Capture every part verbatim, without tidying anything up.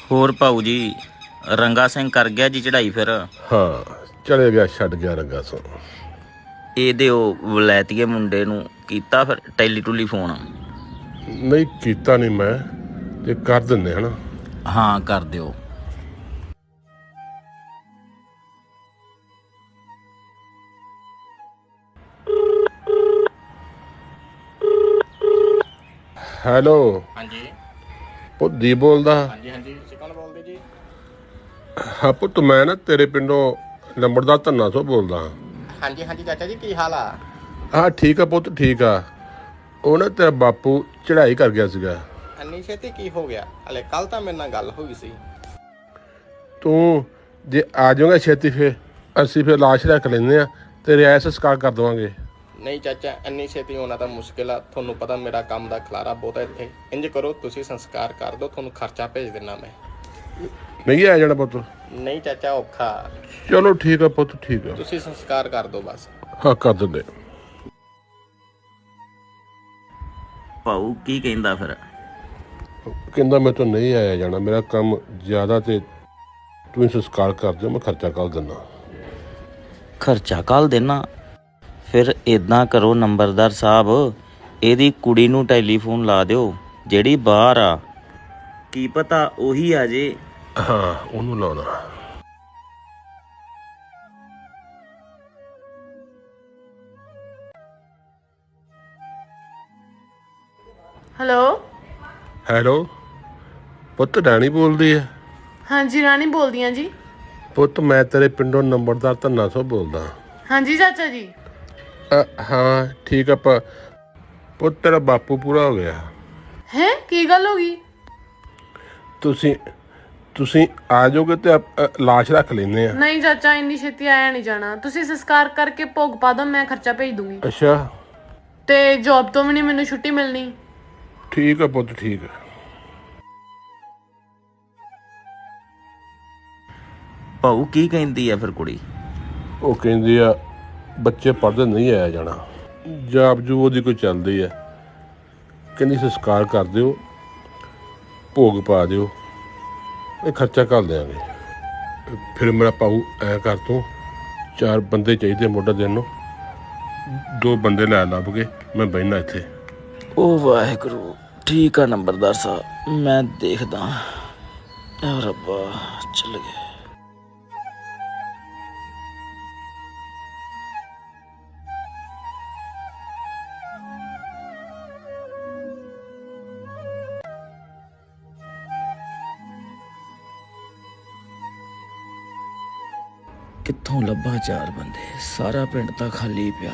ਹੋਰ ਭਾਊ ਜੀ ਰੰਗਾ ਸਿੰਘ ਕਰ ਗਿਆ ਜੀ ਚੜਾਈ ਫਿਰ? ਹਾਂ ਚਲੇ ਗਿਆ, ਛੱਡ ਗਿਆ ਰੰਗਾ ਸਿੰਘ। ਇਹਦੇ ਉਹ ਵਲੈਤੀਏ ਮੁੰਡੇ ਨੂੰ ਕੀਤਾ ਫਿਰ ਟੈਲੀ ਟੂਲੀ ਫੋਨ? ਨਹੀਂ ਕੀਤਾ ਨਹੀਂ ਮੈਂ, ਤੇ ਕਰ ਦਿੰਦੇ ਹਨਾ। ਹਾਂ ਕਰ ਦਿਓ। ਹੈਲੋ। ਹਾਂਜੀ ਪੁੱਤ ਦੀ ਬੋਲਦਾ? ਹਾਂਜੀ ਹਾਂਜੀ ਤੁਸੀਂ ਕੌਣ ਬੋਲਦੇ ਜੀ? ਹਾਂ ਪੁੱਤ ਮੈਂ ਨਾ ਤੇਰੇ ਪਿੰਡੋਂ ਲੰਬੜਦਾਰ ਧੰਨਾ ਤੋਂ ਬੋਲਦਾ ਹਾਂ। ਹਾਂਜੀ ਹਾਂਜੀ ਚਾਚਾ ਜੀ ਕੀ ਹਾਲ ਆ? ਹਾਂ ਠੀਕ ਆ ਪੁੱਤ, ਠੀਕ ਆ। ਉਹ ਨਾ ਤੇਰਾ ਬਾਪੂ ਚੜਾਈ ਕਰ ਗਿਆ ਸੀਗਾ। ਇੰਨੀ ਛੇਤੀ ਕੀ ਹੋ ਗਿਆ? ਹਲੇ ਕੱਲ ਤਾਂ ਮੇਰੇ ਨਾਲ ਗੱਲ ਹੋਈ ਸੀ। ਤੂੰ ਜੇ ਆ ਜਾਊਗਾ ਛੇਤੀ ਫਿਰ ਅਸੀਂ ਫਿਰ ਲਾਸ਼ ਰੱਖ ਲੈਂਦੇ ਆ ਤੇ ਰਿਆਇਤ ਸੰਸਕਾਰ ਕਰ ਦੇਵਾਂਗੇ। ਨਹੀਂ ਚਾਚਾ ਇੰਨੀ ਛੇਤੀ ਹੋਣਾ ਤਾਂ ਮੁਸ਼ਕਿਲ ਆ, ਤੁਹਾਨੂੰ ਪਤਾ ਮੇਰਾ ਕੰਮ ਦਾ ਖਲਾਰਾ ਬਹੁਤ ਹੈ ਇੱਥੇ। ਇੰਜ ਕਰੋ ਤੁਸੀਂ ਸੰਸਕਾਰ ਕਰ ਦਿਓ, ਤੁਹਾਨੂੰ ਖਰਚਾ ਭੇਜ ਦਿੰਦਾ ਮੈਂ। ਨਹੀਂ ਆ ਜਾਣਾ ਪੁੱਤ? ਨਹੀਂ ਚਾਚਾ ਔਖਾ। ਚਲੋ ਠੀਕ ਆ ਪੁੱਤ, ਠੀਕ ਆ। ਤੁਸੀਂ ਸੰਸਕਾਰ ਕਰ ਦਿਓ ਬਸ। ਹਾਂ ਕਰ ਦਿੰਦੇ। ਭਾਊ ਕੀ ਕਹਿੰਦਾ ਫਿਰ? ਕਹਿੰਦਾ ਮੈਂ ਤਾਂ ਨਹੀਂ ਆਇਆ ਜਾਣਾ, ਮੇਰਾ ਕੰਮ ਜ਼ਿਆਦਾ ਤੇ ਤੂੰ ਸੰਸਕਾਰ ਕਰ ਦਿਓ, ਮੈਂ ਖਰਚਾ ਕੱਲ ਦਿੰਦਾ। ਖਰਚਾ ਕੱਲ ਦੇਣਾ? ਫਿਰ ਇਦਾਂ ਕਰੋ ਨੰਬਰਦਾਰ ਸਾਹਿਬ, ਇਹਦੀ ਕੁੜੀ ਨੂੰ ਟੈਲੀਫੋਨ ਲਾ ਦਿਓ ਜਿਹੜੀ ਬਾਹਰ ਆ, ਕੀ ਪਤਾ ਉਹੀ ਆ ਜੇ। ਹਾਂ ਉਹਨੂੰ ਲਾਉਣਾ। ਹੈਲੋ। ਹੈਲੋ ਪੁੱਤ, ਰਾਣੀ ਬੋਲਦੀ ਹੈ? ਹਾਂਜੀ ਰਾਣੀ ਬੋਲਦੀ ਹਾਂ ਜੀ। ਪੁੱਤ ਮੈਂ ਤੇਰੇ ਪਿੰਡੋਂ ਨੰਬਰਦਾਰ ਧੰਨਾ ਤੋਂ ਬੋਲਦਾ। ਹਾਂਜੀ ਚਾਚਾ ਜੀ। ਅ, ਹਾਂ ਠੀਕ ਆ। ਪ ਪੁੱਤ ਤੇਰਾ ਬਾਪੂ ਪੂਰਾ ਹੋ ਗਿਆ। ਹੈ ਕੀ ਗੱਲ ਹੋ ਗਈ? ਤੁਸੀਂ ਤੁਸੀਂ ਆ ਜਾਓਗੇ ਤੇ ਅ, ਲਾਸ਼ ਰੱਖ ਲੈਂਦੇ ਆ। ਨਹੀਂ ਚਾਚਾ ਇੰਨੀ ਛੇਤੀ ਆਇਆ ਨਹੀਂ ਜਾਣਾ, ਤੁਸੀਂ ਸੰਸਕਾਰ ਕਰਕੇ ਭੋਗ ਪਾ ਦਿਓ, ਮੈਂ ਖਰਚਾ ਭੇਜ ਦੂੰਗੀ। ਅੱਛਾ ਤੇ ਜੌਬ ਤੋਂ ਵੀ ਨਹੀਂ ਮੈਨੂੰ ਛੁੱਟੀ ਮਿਲਣੀ। ਠੀਕ ਆ ਪੁੱਤ, ਠੀਕ ਆ। ਭਾਊ ਕੀ ਕਹਿੰਦੀ ਆ ਫਿਰ ਕੁੜੀ? ਉਹ ਕਹਿੰਦੀ ਆ ਬੱਚੇ ਪੜ੍ਹਦੇ ਨਹੀਂ ਆਇਆ ਜਾਣਾ, ਜਾਬ ਜੂ ਉਹਦੀ ਕੋਈ ਚੱਲਦੀ ਆ। ਕਹਿੰਦੀ ਸੰਸਕਾਰ ਕਰ ਦਿਓ, ਭੋਗ ਪਾ ਦਿਓ, ਇਹ ਖਰਚਾ ਕਰ ਦਿਆਂਗੇ। ਫਿਰ ਮੇਰਾ ਭਾਊ ਐਂ ਕਰ, ਤੂੰ ਚਾਰ ਬੰਦੇ ਚਾਹੀਦੇ ਮੋਢਾ ਦੇਣ ਨੂੰ, ਦੋ ਬੰਦੇ ਲੈ ਲੱਭ ਕੇ ਮੈਂ ਬਹਿਣਾ ਇੱਥੇ। ਉਹ ਵਾਹਿਗੁਰੂ, ਠੀਕ ਆ ਨੰਬਰਦਾਰ ਸਾਹਿਬ, ਮੈਂ ਦੇਖਦਾ। ਯਾ ਰੱਬਾ ਚੱਲ ਗਏ। ਕਿੱਥੋਂ ਲੱਭਾਂ ਚਾਰ ਬੰਦੇ? ਸਾਰਾ ਪਿੰਡ ਤਾਂ ਖਾਲੀ ਪਿਆ।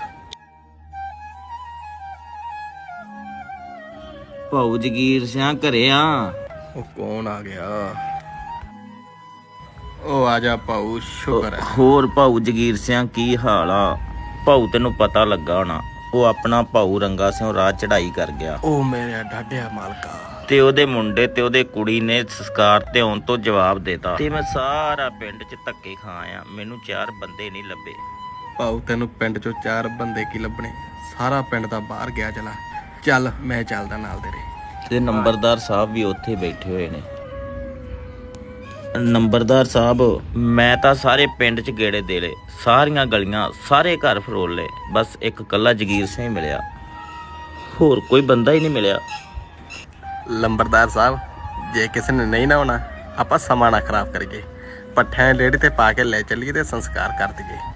ਭਾਊ ਜਗੀਰ ਸਿਆਂ ਘਰੇ ਆ? ਉਹ ਕੌਣ ਆ ਗਿਆ? ਉਹ ਆ ਜਾ ਭਾਊ, ਸ਼ੁਕਰ ਹੈ। ਹੋਰ ਭਾਊ ਜਗੀਰ ਸਿਆਂ ਕੀ ਹਾਲ ਆ? ਭਾਊ ਤੈਨੂੰ ਪਤਾ ਲੱਗਾ ਹੋਣਾ, ਉਹ ਆਪਣਾ ਭਾਊ ਰੰਗਾ ਸਿੰਘ ਰਾਤ ਚੜਾਈ ਕਰ ਗਿਆ। ਉਹ ਮੇਰੇ ਡਾਢਿਆ ਮਾਲਕਾ। ਤੇ ਉਹਦੇ ਮੁੰਡੇ ਤੇ ਉਹਦੇ ਕੁੜੀ ਨੇ ਸੰਸਕਾਰ ਤੇ ਆਉਣ ਤੋਂ ਜਵਾਬ ਦੇਤਾ, ਤੇ ਮੈਂ ਸਾਰਾ ਪਿੰਡ 'ਚ ਧੱਕੇ ਖਾ ਆਇਆ, ਮੈਨੂੰ ਚਾਰ ਬੰਦੇ ਨਹੀਂ ਲੱਭੇ। ਭਾਊ ਤੈਨੂੰ ਪਿੰਡ ਚੋਂ ਚਾਰ ਬੰਦੇ ਕੀ ਲੱਭਣੇ? ਸਾਰਾ ਪਿੰਡ ਤਾਂ ਬਾਹਰ ਗਿਆ। ਚਲਾ ਚੱਲ ਮੈਂ ਚੱਲਦਾ ਨਾਲ ਤੇਰੇ। ਤੇ ਨੰਬਰਦਾਰ ਸਾਹਿਬ ਵੀ ਉੱਥੇ ਬੈਠੇ ਹੋਏ ਨੇ। ਨੰਬਰਦਾਰ ਸਾਹਿਬ ਮੈਂ ਤਾਂ ਸਾਰੇ ਪਿੰਡ 'ਚ ਗੇੜੇ ਦੇ ਲਏ, ਸਾਰੀਆਂ ਗਲੀਆਂ ਸਾਰੇ ਘਰ ਫਰੋਲ ਲਏ, ਬਸ ਇੱਕ ਕੱਲਾ ਜਗੀਰ ਸਿੰਘ ਮਿਲਿਆ, ਹੋਰ ਕੋਈ ਬੰਦਾ ਹੀ ਨਹੀਂ ਮਿਲਿਆ। ਲੰਬਰਦਾਰ ਸਾਹਿਬ ਜੇ ਕਿਸੇ ਨੇ ਨਹੀਂ ਨਾ ਆਉਣਾ, ਆਪਾਂ ਸਮਾਂ ਨਾ ਖਰਾਬ ਕਰੀਏ, ਪੱਠਿਆਂ ਰੇਹੜੀ ਤੇ ਪਾ ਕੇ ਲੈ ਚੱਲੀਏ ਤੇ ਸੰਸਕਾਰ ਕਰ ਦਈਏ।